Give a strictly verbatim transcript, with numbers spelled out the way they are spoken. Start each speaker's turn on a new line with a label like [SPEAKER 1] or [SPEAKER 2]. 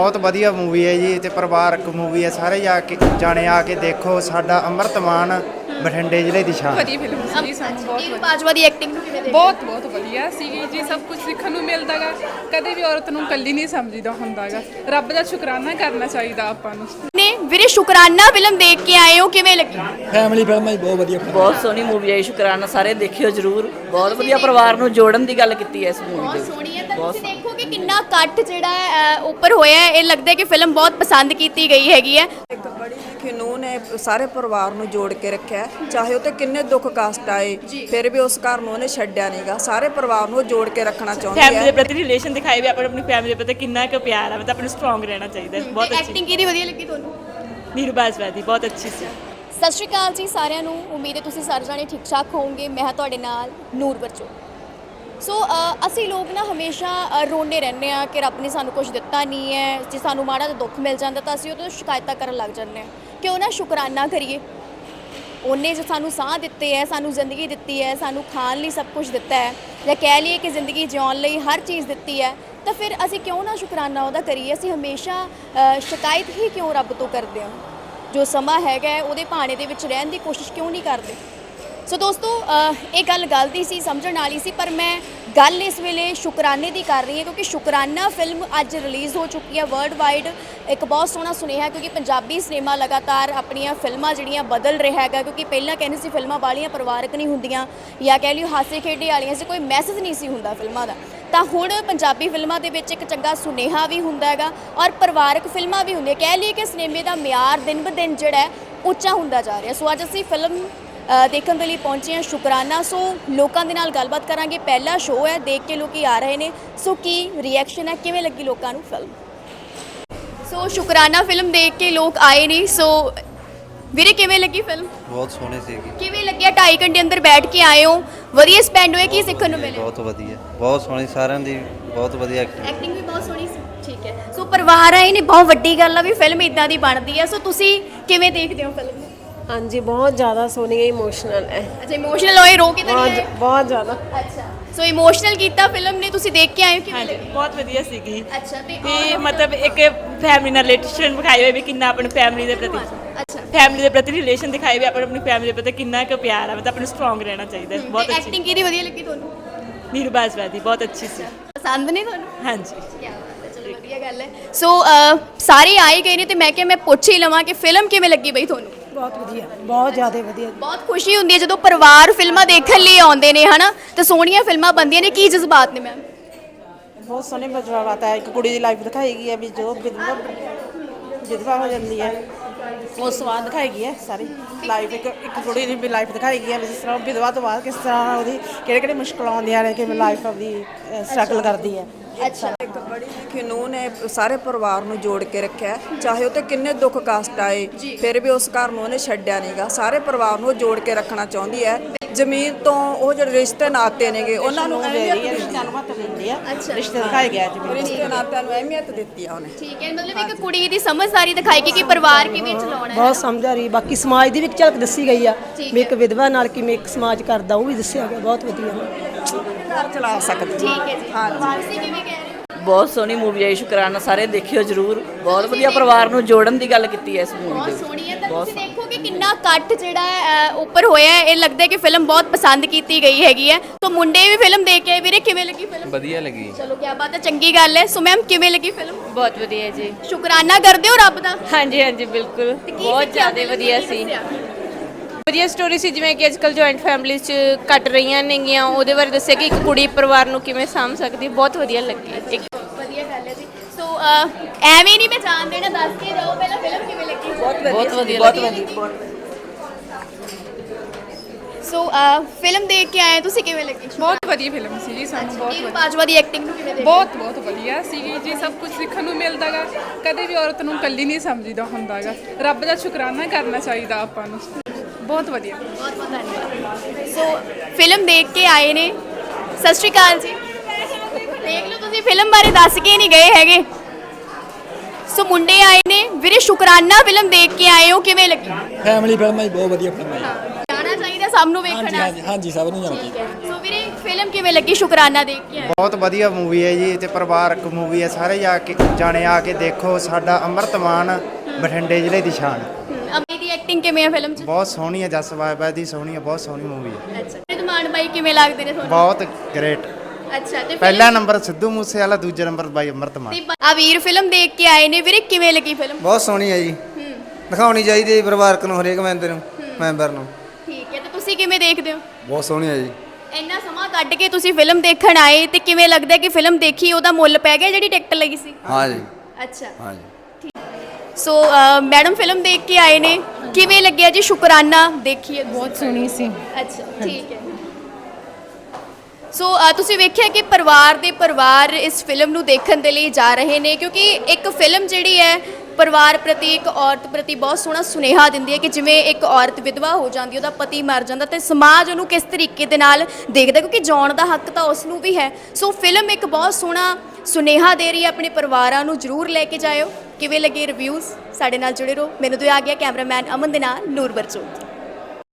[SPEAKER 1] बहुत वधिया मूवी है जी ते परिवारक मूवी है। सारे जाके जाने आके देखो। साडा अमृतमान बठिंडे ਜ਼ਿਲ੍ਹੇ ਦੀ ਸ਼ਾਨ।
[SPEAKER 2] ਵਧੀਆ ਫਿਲਮ ਸੀ ਸਾਨੂੰ ਬਹੁਤ ਵਧੀਆ।
[SPEAKER 3] ਬਾਜਵਾ ਦੀ ਐਕਟਿੰਗ ਨੂੰ ਕਿਵੇਂ ਦੇਖਦੇ
[SPEAKER 2] ਬਹੁਤ ਬਹੁਤ ਵਧੀਆ ਸੀਗੀ ਜੀ। ਸਭ ਕੁਝ ਸਿੱਖਣ ਨੂੰ ਮਿਲਦਾਗਾ। ਕਦੇ ਵੀ ਔਰਤ ਨੂੰ ਇਕੱਲੀ ਨਹੀਂ ਸਮਝੀਦਾ ਹੁੰਦਾਗਾ। ਰੱਬ ਦਾ ਸ਼ੁਕਰਾਨਾ ਕਰਨਾ ਚਾਹੀਦਾ ਆਪਾਂ ਨੂੰ।
[SPEAKER 3] ਨੇ ਵੀਰੇ ਸ਼ੁਕਰਾਨਾ ਫਿਲਮ ਦੇਖ ਕੇ ਆਏ ਹੋ, ਕਿਵੇਂ ਲੱਗੀ?
[SPEAKER 4] ਫੈਮਿਲੀ ਫਿਲਮ ਹੈ, ਬਹੁਤ ਵਧੀਆ ਫਿਲਮ।
[SPEAKER 5] ਬਹੁਤ ਸੋਹਣੀ ਮੂਵੀ ਹੈ ਸ਼ੁਕਰਾਨਾ, ਸਾਰੇ ਦੇਖਿਓ ਜਰੂਰ। ਬਹੁਤ ਵਧੀਆ ਪਰਿਵਾਰ ਨੂੰ ਜੋੜਨ ਦੀ ਗੱਲ ਕੀਤੀ ਹੈ ਇਸ ਮੂਵੀ ਦੇ
[SPEAKER 3] ਬਹੁਤ
[SPEAKER 5] ਵਿੱਚ।
[SPEAKER 3] ਸੋਹਣੀ ਹੈ। ਤਾਂ ਤੁਸੀਂ ਦੇਖੋ ਕਿ ਕਿੰਨਾ ਇਕੱਠ ਜਿਹੜਾ ਹੈ ਅ, ਉੱਪਰ ਹੋਇਆ ਹੈ। ਇਹ ਲੱਗਦਾ ਹੈ ਕਿ ਫਿਲਮ ਬਹੁਤ ਪਸੰਦ ਕੀਤੀ ਗਈ ਹੈਗੀ ਹੈ।
[SPEAKER 6] ਇੱਕ ਬੜੀ ਲਿਖੀ ਨੂੰਹ ਨੇ ਸਾਰੇ ਪਰਿਵਾਰ ਨੂੰ ਜੋੜ ਕੇ ਰੱਖਿਆ, ਚਾਹੇ ਉਹ ਤੇ ਕਿੰਨੇ ਦੁੱਖ ਕਸ਼ਟ ਆਏ ਫਿਰ ਵੀ ਉਸ ਘਰ ਨੂੰ ਉਹਨੇ ਛੱਡਿਆ ਨਹੀਂਗਾ। ਸਾਰੇ ਪਰਿਵਾਰ ਨੂੰ ਜੋੜ ਕੇ ਰੱਖਣਾ ਚਾਹੁੰਦੀ
[SPEAKER 5] ਫੈਮਿਲੀ ਦੇ
[SPEAKER 6] ਹੈ।
[SPEAKER 5] ਪ੍ਰਤੀ ਰਿਲੇਸ਼ਨ ਦਿਖਾਏ ਵੀ ਆਪਾਂ ਨੂੰ ਆਪਣੀ ਫੈਮਿਲੀ ਦੇ ਪ੍ਰਤੀ ਕਿੰਨਾ ਕੁ ਪਿਆਰ ਹੈ, ਮਤਲਬ ਆਪਾਂ ਨੂੰ ਸਟਰੋਂਗ ਰਹਿਣਾ ਚਾਹੀਦਾ ਹੈ। ਬਹੁਤ ਅੱਛੀ
[SPEAKER 3] ਐਕਟਿੰਗ ਕਿਹਦੀ ਵਧੀਆ ਲੱਗੀ ਤੁਹਾਨੂੰ?
[SPEAKER 5] ਨੀਰੂ ਬਾਜਵਾ ਦੀ ਬਹੁਤ ਅੱਛੀ ਸੀ।
[SPEAKER 3] ਸਤਿ ਸ਼੍ਰੀ ਅਕਾਲ ਜੀ ਸਾਰਿਆਂ ਨੂੰ। ਉਮੀਦ ਹੈ ਤੁਸੀਂ ਸਾਰੇ ਜਾਣੇ ਠੀਕ ਠਾਕ ਹੋਵੋਗੇ। ਮੈਂ ਹਾਂ ਤੁਹਾਡੇ ਨਾਲ ਨੂਰ ਬੱਚੋ। ਸੋ ਅ, ਅਸੀਂ ਲੋਕ ਨਾ ਹਮੇਸ਼ਾ ਅ, ਰੋਂਦੇ ਰਹਿੰਦੇ ਆ ਕਿ ਰੱਬ ਨੇ ਸਾਨੂੰ ਕੁਝ ਦਿੱਤਾ ਨਹੀਂ ਹੈ। ਜੇ ਸਾਨੂੰ ਮਾੜਾ ਜਿਹਾ ਦੁੱਖ ਮਿਲ ਜਾਂਦਾ ਤਾਂ ਅਸੀਂ ਉਹ ਤੋਂ ਸ਼ਿਕਾਇਤਾਂ ਕਰਨ ਲੱਗ ਜਾਂਦੇ ਹਾਂ। ਕਿਉਂ ਨਾ ਸ਼ੁਕਰਾਨਾ ਕਰੀਏ। ਉਹਨੇ ਜੋ ਸਾਨੂੰ ਸਾਹ ਦਿੱਤੇ ਹੈ, ਸਾਨੂੰ ਜ਼ਿੰਦਗੀ ਦਿੱਤੀ ਹੈ, ਸਾਨੂੰ ਖਾਣ ਲਈ ਸਭ ਕੁਝ ਦਿੱਤਾ ਹੈ, ਜਾਂ ਕਹਿ ਲਈਏ ਕਿ ਜ਼ਿੰਦਗੀ ਜਿਉਣ ਲਈ ਹਰ ਚੀਜ਼ ਦਿੱਤੀ ਹੈ, ਤਾਂ ਫਿਰ ਅਸੀਂ ਕਿਉਂ ਨਾ ਸ਼ੁਕਰਾਨਾ ਉਹਦਾ ਕਰੀਏ। ਅਸੀਂ ਹਮੇਸ਼ਾ ਅ, ਸ਼ਿਕਾਇਤ ਹੀ ਕਿਉਂ ਰੱਬ ਤੋਂ ਕਰਦੇ ਹਾਂ? ਜੋ ਸਮਾਂ ਹੈਗਾ ਹੈ, ਉਹਦੇ ਭਾਣੇ ਦੇ ਵਿੱਚ ਰਹਿਣ ਦੀ ਕੋਸ਼ਿਸ਼ ਕਿਉਂ ਨਹੀਂ ਕਰਦੇ? ਸੋ ਦੋਸਤੋ ਅ, ਇਹ ਗੱਲ ਗਲਤੀ ਸੀ, ਸਮਝਣ ਵਾਲੀ ਸੀ, ਪਰ ਮੈਂ ਗੱਲ ਇਸ ਵੇਲੇ ਸ਼ੁਕਰਾਨੇ ਦੀ ਕਰ ਰਹੀ ਹਾਂ ਕਿਉਂਕਿ ਸ਼ੁਕਰਾਨਾ ਫਿਲਮ ਅੱਜ ਰਿਲੀਜ਼ ਹੋ ਚੁੱਕੀ ਹੈ ਵਰਲਡ ਵਾਈਡ। ਇੱਕ ਬਹੁਤ ਸੋਹਣਾ ਸੁਨੇਹਾ, ਕਿਉਂਕਿ ਪੰਜਾਬੀ ਸਿਨੇਮਾ ਲਗਾਤਾਰ ਆਪਣੀਆਂ ਫਿਲਮਾਂ ਜਿਹੜੀਆਂ ਬਦਲ ਰਿਹਾ ਹੈਗਾ। ਕਿਉਂਕਿ ਪਹਿਲਾਂ ਕਹਿੰਦੇ ਸੀ ਫਿਲਮਾਂ ਵਾਲੀਆਂ ਪਰਿਵਾਰਕ ਨਹੀਂ ਹੁੰਦੀਆਂ, ਜਾਂ ਕਹਿ ਲਿਓ ਹਾਸੇ ਖੇਡੇ ਵਾਲੀਆਂ ਸੀ, ਕੋਈ ਮੈਸੇਜ ਨਹੀਂ ਸੀ ਹੁੰਦਾ ਫਿਲਮਾਂ ਦਾ। ਤਾਂ ਹੁਣ ਪੰਜਾਬੀ ਫਿਲਮਾਂ ਦੇ ਵਿੱਚ ਇੱਕ ਚੰਗਾ ਸੁਨੇਹਾ ਵੀ ਹੁੰਦਾ ਹੈਗਾ ਔਰ ਪਰਿਵਾਰਕ ਫਿਲਮਾਂ ਵੀ ਹੁੰਦੀਆਂ। ਕਹਿ ਲਈਏ ਕਿ ਸਿਨੇਮੇ ਦਾ ਮਿਆਰ ਦਿਨ ਬ ਦਿਨ ਜਿਹੜਾ ਹੈ ਉੱਚਾ ਹੁੰਦਾ ਜਾ ਰਿਹਾ। ਸੋ ਅੱਜ ਅਸੀਂ ਫਿਲਮ ਅ, ਦੇਖਣ ਦੇ ਲਈ ਪਹੁੰਚੇ ਹਾਂ ਸ਼ੁਕਰਾਨਾ। ਸੋ ਲੋਕਾਂ ਦੇ ਨਾਲ ਗੱਲਬਾਤ ਕਰਾਂਗੇ। ਪਹਿਲਾ ਸ਼ੋਅ ਹੈ, ਦੇਖ ਕੇ ਲੋਕੀ ਆ ਰਹੇ ਨੇ। ਸੋ ਕੀ ਰਿਐਕਸ਼ਨ ਹੈ, ਕਿਵੇਂ ਲੱਗੀ ਲੋਕਾਂ ਨੂੰ ਫਿਲਮ? ਸੋ ਸ਼ੁਕਰਾਨਾ ਫਿਲਮ ਦੇਖ ਕੇ ਲੋਕ ਆਏ ਨੇ। ਸੋ ਵੀਰੇ ਕਿਵੇਂ ਲੱਗੀ ਫਿਲਮ?
[SPEAKER 1] ਬਹੁਤ ਸੋਹਣੀ ਸੀਗੀ।
[SPEAKER 3] ਕਿਵੇਂ ਲੱਗਿਆ? ਢਾਈ ਘੰਟੇ ਅੰਦਰ ਬੈਠ ਕੇ ਆਏ ਹੋ, ਵਧੀਆ ਸਪੈਂਡ ਹੋਏ, ਕੀ ਸਿੱਖਣ ਨੂੰ ਮਿਲਿਆ?
[SPEAKER 1] ਬਹੁਤ ਵਧੀਆ, ਬਹੁਤ ਸੋਹਣੀ, ਸਾਰਿਆਂ ਦੀ ਬਹੁਤ ਵਧੀਆ ਐਕਟਿੰਗ।
[SPEAKER 3] ਐਕਟਿੰਗ ਵੀ ਬਹੁਤ ਸੋਹਣੀ ਸੀ। ਠੀਕ ਹੈ। ਸੋ ਪਰਿਵਾਰ ਆਏ ਨੇ, ਬਹੁਤ ਵੱਡੀ ਗੱਲ ਆ ਵੀ ਫਿਲਮ ਇਦਾਂ ਦੀ ਬਣਦੀ ਹੈ। ਸੋ ਤੁਸੀਂ ਕਿਵੇਂ ਦੇਖਦੇ ਹੋ ਫਿਲਮ ਨੂੰ?
[SPEAKER 7] ਹਾਂਜੀ, ਬਹੁਤ ਜ਼ਿਆਦਾ ਸੋਹਣੀ ਹੈ, ਇਮੋਸ਼ਨਲ ਹੈ।
[SPEAKER 3] ਅੱਛਾ, ਇਮੋਸ਼ਨਲ ਹੋਏ, ਰੋ ਕੇ ਤਾਂ ਨਹੀਂ ਆਏ?
[SPEAKER 7] ਬਹੁਤ ਬਹੁਤ ਜ਼ਿਆਦਾ।
[SPEAKER 3] ਅੱਛਾ, ਸੋ ਇਮੋਸ਼ਨਲ ਕੀਤਾ ਫਿਲਮ ਨੇ, ਤੁਸੀਂ ਦੇਖ ਕੇ ਆਏ ਹੋ, ਕਿਵੇਂ
[SPEAKER 5] ਹਾਂਜੀ
[SPEAKER 3] ਲੱਗੀ?
[SPEAKER 5] ਬਹੁਤ ਵਧੀਆ ਸੀਗੀ।
[SPEAKER 3] ਅੱਛਾ, ਤੇ
[SPEAKER 5] ਤੇ ਮਤਲਬ ਇੱਕ ਫੈਮਿਲੀ ਨਾਲ ਰਿਲੇਸ਼ਨ ਦਿਖਾਏ ਹੋਏ ਵੀ ਕਿੰਨਾ ਆਪਣੀ ਫੈਮਿਲੀ ਦੇ ਪ੍ਰਤੀ
[SPEAKER 3] ਅੱਛਾ,
[SPEAKER 5] ਫੈਮਿਲੀ ਦੇ ਪ੍ਰਤੀ ਰਿਲੇਸ਼ਨ ਦਿਖਾਏ ਵੀ ਆਪਾਂ ਨੂੰ ਆਪਣੀ ਫੈਮਿਲੀ ਦੇ ਪ੍ਰਤੀ ਕਿੰਨਾ ਕੁ ਪਿਆਰ ਹੈ, ਮਤਲਬ ਆਪਾਂ ਨੂੰ ਸਟਰੋਂਗ ਰਹਿਣਾ ਚਾਹੀਦਾ ਹੈ। ਬਹੁਤ ਅੱਛੀ।
[SPEAKER 3] ਐਕਟਿੰਗ ਕਿਹਦੀ ਵਧੀਆ ਲੱਗੀ ਤੁਹਾਨੂੰ?
[SPEAKER 5] ਨੀਰੂ ਬਾਜਵਾ ਦੀ ਬਹੁਤ ਅੱਛੀ ਸੀ।
[SPEAKER 3] ਪਸੰਦ ਨਹੀਂ ਤੁਹਾਨੂੰ?
[SPEAKER 5] ਹਾਂਜੀ
[SPEAKER 3] ਕੀ ਬਾਤ ਹੈ, ਚਲੋ ਵਧੀਆ ਗੱਲ ਹੈ। ਸੋ ਅ, ਸਾਰੇ ਆਏ ਗਏ ਨੇ ਤੇ ਮੈਂ ਕਿਹਾ ਮੈਂ ਪੁੱਛ ਹੀ ਲਵਾਂ ਕਿ ਫਿਲਮ ਕਿਵੇਂ ਲੱਗੀ ਬਈ ਤੁਹਾਨੂੰ?
[SPEAKER 7] ਬਹੁਤ ਵਧੀਆ, ਬਹੁਤ ਜ਼ਿਆਦਾ ਵਧੀਆ।
[SPEAKER 3] ਬਹੁਤ ਖੁਸ਼ੀ ਹੁੰਦੀ ਹੈ ਜਦੋਂ ਪਰਿਵਾਰ ਫਿਲਮਾਂ ਦੇਖਣ ਲਈ ਆਉਂਦੇ ਨੇ, ਹਨਾ? ਤੇ ਸੋਹਣੀਆਂ ਫਿਲਮਾਂ ਬਣਦੀਆਂ ਨੇ। ਕੀ ਜਜ਼ਬਾਤ ਨੇ ਮੈਮ?
[SPEAKER 8] ਬਹੁਤ ਸੋਹਣੇ ਜਜ਼ਬਾਤ ਹੈ। ਇੱਕ ਕੁੜੀ ਦੀ ਲਾਈਫ ਦਿਖਾਈ ਗਈ ਹੈ ਵੀ ਜੋ ਵਿਧਵਾ ਵਿਧਵਾ ਹੋ ਜਾਂਦੀ ਹੈ, ਉਹ ਸਵਾਦ ਦਿਖਾਈ ਗਈ ਹੈ। ਸਾਰੀ ਲਾਈਫ ਇੱਕ ਇੱਕ ਕੁੜੀ ਦੀ ਵੀ ਲਾਈਫ ਦਿਖਾਈ ਗਈ ਹੈ ਵੀ ਜਿਸ ਤਰ੍ਹਾਂ ਉਹ ਵਿਧਵਾ ਤੋਂ ਬਾਅਦ ਕਿਸ ਤਰ੍ਹਾਂ ਉਹਦੀ ਕਿਹੜੇ ਕਿਹੜੇ ਮੁਸ਼ਕਲਾਂ ਆਉਂਦੀਆਂ ਨੇ, ਕਿਵੇਂ ਲਾਈਫ ਆਪਦੀ ਸਟਰਗਲ ਕਰਦੀ ਹੈ।
[SPEAKER 3] ਅੱਛਾ,
[SPEAKER 6] ਇੱਕ ਬੜੀ ਲਿਖੀ ਨੂੰਹ ਨੇ ਸਾਰੇ ਪਰਿਵਾਰ ਨੂੰ ਜੋੜ ਕੇ ਰੱਖਿਆ, ਚਾਹੇ ਉਹ ਤੇ ਕਿੰਨੇ ਦੁੱਖ ਕਸ਼ਟ ਆਏ ਫਿਰ ਵੀ ਉਸ ਘਰ ਨੂੰ ਉਹਨੇ ਛੱਡਿਆ ਨਹੀਂਗਾ। ਸਾਰੇ ਪਰਿਵਾਰ ਨੂੰ ਜੋੜ ਕੇ ਰੱਖਣਾ ਚਾਹੁੰਦੀ ਹੈ। ਜ਼ਮੀਨ ਤੋਂ ਉਹ ਜਿਹੜੇ ਰਿਸ਼ਤੇ ਨਾਤੇ ਨੇਗੇ ਉਹਨਾਂ ਨੂੰ
[SPEAKER 8] ਰਿਸ਼ਤਿਆਂ ਨੂੰ ਮਹੱਤਵ ਦਿੰਦੀ ਆ। ਰਿਸ਼ਤੇ ਦਿਖਾਏ ਗਿਆ ਜਿਵੇਂ
[SPEAKER 6] ਰਿਸ਼ਤੇ ਨਾਤਿਆਂ ਨੂੰ ਅਹਿਮੀਅਤ ਦਿੱਤੀ ਆ ਉਹਨੇ।
[SPEAKER 3] ਠੀਕ ਹੈ। ਮਤਲਬ ਇੱਕ ਕੁੜੀ ਦੀ ਸਮਝਦਾਰੀ ਦਿਖਾਈ ਗਈ ਕਿ ਪਰਿਵਾਰ ਕਿਵੇਂ ਚਲਾਉਣਾ ਹੈ।
[SPEAKER 7] ਬਹੁਤ ਸਮਝ ਆ ਰਹੀ। ਬਾਕੀ ਸਮਾਜ ਦੀ ਵੀ ਇੱਕ ਝਲਕ ਦੱਸੀ ਗਈ ਆ ਵੀ ਇੱਕ ਵਿਧਵਾ ਨਾਲ ਕਿਵੇਂ ਇੱਕ ਸਮਾਜ ਕਰਦਾ, ਉਹ ਵੀ ਦੱਸਿਆ ਗਿਆ। ਬਹੁਤ ਵਧੀਆ,
[SPEAKER 6] ਘਰ ਚਲਾ ਸਕਦੀ।
[SPEAKER 3] ਠੀਕ ਹੈ ਜੀ। ਤੁਸੀਂ ਕਿਵੇਂ ਕਹਿ ਰਹੇ ਹੋ?
[SPEAKER 5] ਬਹੁਤ ਸੋਹਣੀ ਮੂਵੀ ਹੈ ਸ਼ੁਕਰਾਨਾ, ਸਾਰੇ ਦੇਖਿਓ ਜਰੂਰ। ਬਹੁਤ ਵਧੀਆ ਪਰਿਵਾਰ ਨੂੰ ਜੋੜਨ ਦੀ ਗੱਲ ਕੀਤੀ ਹੈ ਇਸ ਮੂਵੀ ਦੇ
[SPEAKER 3] ਬਹੁਤ
[SPEAKER 5] ਵਿੱਚ।
[SPEAKER 3] ਸੋਹਣੀ ਹੈ। ਤਾਂ ਤੁਸੀਂ ਦੇਖੋ ਕਿ ਕਿੰਨਾ ਇਕੱਠ ਜਿਹੜਾ ਹੈ ਅ, ਉੱਪਰ ਹੋਇਆ ਹੈ। ਇਹ ਲੱਗਦਾ ਹੈ ਕਿ ਫਿਲਮ ਬਹੁਤ ਪਸੰਦ ਕੀਤੀ ਗਈ ਹੈਗੀ ਹੈ। ਸੋ ਮੁੰਡੇ ਵੀ ਫਿਲਮ ਦੇਖ ਕੇ ਆਏ। ਵੀਰੇ ਕਿਵੇਂ ਲੱਗੀ ਫਿਲਮ?
[SPEAKER 9] ਵਧੀਆ ਲੱਗੀ।
[SPEAKER 3] ਚਲੋ ਕੀ ਬਾਤ ਹੈ, ਚੰਗੀ ਗੱਲ ਹੈ। ਸੋ ਮੈਮ ਕਿਵੇਂ ਲੱਗੀ ਫਿਲਮ?
[SPEAKER 10] ਬਹੁਤ ਵਧੀਆ ਜੀ।
[SPEAKER 3] ਸ਼ੁਕਰਾਨਾ ਕਰਦੇ ਹੋ ਰੱਬ ਦਾ?
[SPEAKER 10] ਹਾਂਜੀ ਹਾਂਜੀ ਬਿਲਕੁਲ,
[SPEAKER 3] ਤੇ ਕੀ
[SPEAKER 10] ਬਹੁਤ
[SPEAKER 3] ਸਿੱਖਿਆ
[SPEAKER 10] ਜ਼ਿਆਦਾ
[SPEAKER 3] ਫਿਲਮ
[SPEAKER 10] ਵਧੀਆ
[SPEAKER 3] ਨੇ? ਕੀ
[SPEAKER 10] ਸੀ।
[SPEAKER 3] ਦੱਸਿਆ?
[SPEAKER 10] ਵਧੀਆ ਸਟੋਰੀ ਸੀ, ਜਿਵੇਂ ਕਿ ਅੱਜਕੱਲ ਜੁਆਇੰਟ ਫੈਮਿਲੀਜ਼ 'ਚ ਕੱਟ ਰਹੀਆਂ ਨੇਗੀਆਂ, ਉਹਦੇ ਬਾਰੇ ਦੱਸਿਆ ਕਿ ਇੱਕ ਕੁੜੀ ਪਰਿਵਾਰ ਨੂੰ ਕਿਵੇਂ ਸਾਂਭ ਸਕਦੀ। ਬਹੁਤ ਵਧੀਆ ਲੱਗੀ। ਇੱਕ
[SPEAKER 3] ਵਧੀਆ ਗੱਲ ਹੈ ਜੀ। ਸੋ ਅ, ਐਵੇਂ ਨਹੀਂ ਮੈਂ ਜਾਣ ਦੇਣਾ, ਦੱਸ ਕੇ ਜਾਓ ਪਹਿਲਾਂ ਫਿਲਮ ਕਿਵੇਂ ਲੱਗੀ?
[SPEAKER 5] ਬਹੁਤ ਵਧੀਆ
[SPEAKER 6] ਬਹੁਤ ਵਧੀਆ।
[SPEAKER 3] ਸੋ ਅ, ਫਿਲਮ ਦੇਖ ਕੇ ਆਏ, ਤੁਸੀਂ ਕਿਵੇਂ ਲੱਗੀ?
[SPEAKER 2] ਬਹੁਤ ਵਧੀਆ ਫਿਲਮ ਸੀ ਜੀ ਸਾਨੂੰ। ਬਹੁਤ
[SPEAKER 3] ਨੀਰੂ
[SPEAKER 2] ਵਧੀਆ,
[SPEAKER 3] ਬਾਜਵਾ ਦੀ ਐਕਟਿੰਗ ਨੂੰ ਕਿਵੇਂ ਦੇਖਦੇ?
[SPEAKER 2] ਬਹੁਤ ਬਹੁਤ ਵਧੀਆ ਸੀਗੀ ਜੀ। ਸਭ ਕੁਝ ਸਿੱਖਣ ਨੂੰ ਮਿਲਦਾਗਾ। ਕਦੇ ਵੀ ਔਰਤ ਨੂੰ ਇਕੱਲੀ ਨਹੀਂ ਸਮਝੀਦਾ ਹੁੰਦਾਗਾ। ਰੱਬ ਦਾ ਸ਼ੁਕਰਾਨਾ ਕਰਨਾ ਚਾਹੀਦਾ ਆਪਾਂ ਨੂੰ। ਬਹੁਤ ਵਧੀਆ।
[SPEAKER 3] ਬਹੁਤ ਬਹੁਤ ਧੰਨਵਾਦ। ਸੋ ਫਿਲਮ ਦੇਖ ਕੇ ਆਏ ਨੇ। ਸਤਿ ਸ਼੍ਰੀ ਅਕਾਲ ਜੀ। ਦੇਖ ਲਓ, ਤੁਸੀਂ ਫਿਲਮ ਬਾਰੇ ਦੱਸ ਕੇ ਨਹੀਂ ਗਏ ਹੈਗੇ। ਸੋ ਮੁੰਡੇ ਆਏ ਨੇ। ਵੀਰੇ ਸ਼ੁਕਰਾਨਾ ਫਿਲਮ ਦੇਖ ਕੇ ਆਏ ਹੋ, ਕਿਵੇਂ ਲੱਗੀ?
[SPEAKER 4] ਫੈਮਿਲੀ ਫਿਲਮ ਹੈ, ਬਹੁਤ ਵਧੀਆ ਫਿਲਮ ਹੈ।
[SPEAKER 3] ਜਾਣਾ ਚਾਹੀਦਾ ਸਭ ਨੂੰ ਵੇਖਣਾ।
[SPEAKER 4] ਹਾਂਜੀ ਹਾਂਜੀ ਹਾਂਜੀ, ਸਭ ਨੂੰ ਜਾਣਾ
[SPEAKER 3] ਠੀਕ ਹੈ। ਸੋ ਵੀਰੇ ਫਿਲਮ ਫਿਲਮ ਕਿਵੇਂ ਲੱਗੀ ਸ਼ੁਕਰਾਨਾ ਦੇਖ ਕੇ ਆਏ
[SPEAKER 1] ਬਹੁਤ ਵਧੀਆ ਮੂਵੀ ਹੈ ਜੀ ਤੇ ਪਰਿਵਾਰਕ ਮੂਵੀ ਹੈ। ਸਾਰੇ ਜਾ ਕੇ ਜਾਣੇ ਆ ਕੇ ਦੇਖੋ। ਸਾਡਾ ਅੰਮ੍ਰਿਤਮਾਨ ਬਠਿੰਡੇ ਜ਼ਿਲ੍ਹੇ ਦੀ ਸ਼ਾਨ।
[SPEAKER 3] ਅਮੀ ਦੀ ਐਕਟਿੰਗ ਕਿਵੇਂ ਹੈ ਫਿਲਮ 'ਚ
[SPEAKER 1] ਬਹੁਤ ਸੋਹਣੀ ਹੈ। ਜਸ ਬਾਜਵਾ ਦੀ ਸੋਹਣੀ ਹੈ, ਬਹੁਤ ਸੋਹਣੀ ਮੂਵੀ ਹੈ।
[SPEAKER 3] ਅੱਛਾ ਤੇ ਮਾਨ ਬਾਈ ਕਿਵੇਂ ਲੱਗਦੇ ਨੇ ਤੁਹਾਨੂੰ
[SPEAKER 1] ਬਹੁਤ ਗ੍ਰੇਟ।
[SPEAKER 3] ਅੱਛਾ ਤੇ
[SPEAKER 1] ਪਹਿਲਾ ਨੰਬਰ ਸਿੱਧੂ ਮੂਸੇ ਵਾਲਾ, ਦੂਜਾ ਨੰਬਰ ਬਾਈ ਅੰਮ੍ਰਿਤਮਾਨ।
[SPEAKER 3] ਤੇ ਆ ਵੀਰ ਫਿਲਮ ਦੇਖ ਕੇ ਆਏ ਨੇ ਵੀਰੇ, ਕਿਵੇਂ ਲੱਗੀ ਫਿਲਮ?
[SPEAKER 4] ਬਹੁਤ ਸੋਹਣੀ ਹੈ ਜੀ, ਦਿਖਾਉਣੀ ਚਾਹੀਦੀ ਹੈ ਪਰਿਵਾਰਕ ਨੂੰ, ਹਰੇਕ ਮੈਂਬਰ ਨੂੰ ਮੈਂਬਰ ਨੂੰ।
[SPEAKER 3] ਠੀਕ ਹੈ ਤੇ ਤੁਸੀਂ ਕਿਵੇਂ ਦੇਖਦੇ ਹੋ?
[SPEAKER 4] ਬਹੁਤ ਸੋਹਣੀ ਹੈ ਜੀ।
[SPEAKER 3] ਇੰਨਾ ਸਮਾਂ ਕੱਢ ਕੇ ਤੁਸੀਂ ਫਿਲਮ ਦੇਖਣ ਆਏ ਤੇ ਕਿਵੇਂ ਲੱਗਦਾ ਕਿ ਫਿਲਮ ਦੇਖੀ ਉਹਦਾ ਮੁੱਲ ਪੈ ਗਿਆ ਜਿਹੜੀ ਟਿਕਟ ਲਈ ਸੀ?
[SPEAKER 4] ਹਾਂ ਜੀ,
[SPEAKER 3] ਅੱਛਾ
[SPEAKER 4] ਹਾਂ ਜੀ।
[SPEAKER 3] ਸੋ ਮੈਡਮ ਫਿਲਮ ਦੇਖ ਕੇ ਆਏ ਨੇ, ਕਿਵੇਂ ਲੱਗਿਆ ਜੀ ਸ਼ੁਕਰਾਨਾ ਦੇਖੀਏ?
[SPEAKER 2] ਬਹੁਤ ਸੋਹਣੀ ਸੀ।
[SPEAKER 3] ਅੱਛਾ ਠੀਕ ਹੈ। ਸੋ ਅ, ਤੁਸੀਂ ਵੇਖਿਆ ਕਿ ਪਰਿਵਾਰ ਦੇ ਪਰਿਵਾਰ ਇਸ ਫਿਲਮ ਨੂੰ ਦੇਖਣ ਦੇ ਲਈ ਜਾ ਰਹੇ ਨੇ, ਕਿਉਂਕਿ ਇੱਕ ਫਿਲਮ ਜਿਹੜੀ ਹੈ ਪਰਿਵਾਰ ਪ੍ਰਤੀ, ਇੱਕ ਔਰਤ ਪ੍ਰਤੀ ਬਹੁਤ ਸੋਹਣਾ ਸੁਨੇਹਾ ਦਿੰਦੀ ਹੈ ਕਿ ਜਿਵੇਂ ਇੱਕ ਔਰਤ ਵਿਧਵਾ ਹੋ ਜਾਂਦੀ, ਉਹਦਾ ਪਤੀ ਮਰ ਜਾਂਦਾ ਤੇ ਸਮਾਜ ਉਹਨੂੰ ਕਿਸ ਤਰੀਕੇ ਦੇ ਨਾਲ ਦੇਖਦਾ, ਕਿਉਂਕਿ ਜਿਉਣ ਦਾ ਹੱਕ ਤਾਂ ਉਸ ਨੂੰ ਵੀ ਹੈ। ਸੋ ਫਿਲਮ ਇੱਕ ਬਹੁਤ ਸੋਹਣਾ ਸੁਨੇਹਾ ਦੇ ਰਹੀ ਹੈ। ਆਪਣੇ ਪਰਿਵਾਰਾਂ ਨੂੰ ਜ਼ਰੂਰ ਲੈ ਕੇ ਜਾਇਓ। ਕਿਵੇਂ ਲੱਗੇ ਰਿਵਿਊਜ਼? ਸਾਡੇ ਨਾਲ ਜੁੜੇ ਰਹੋ। ਮੈਨੂੰ ਦਿਓ ਆ ਗਿਆ ਕੈਮਰਾਮੈਨ ਅਮਨ ਦੇ ਨਾਲ ਨੂਰ ਵਰਚੋ।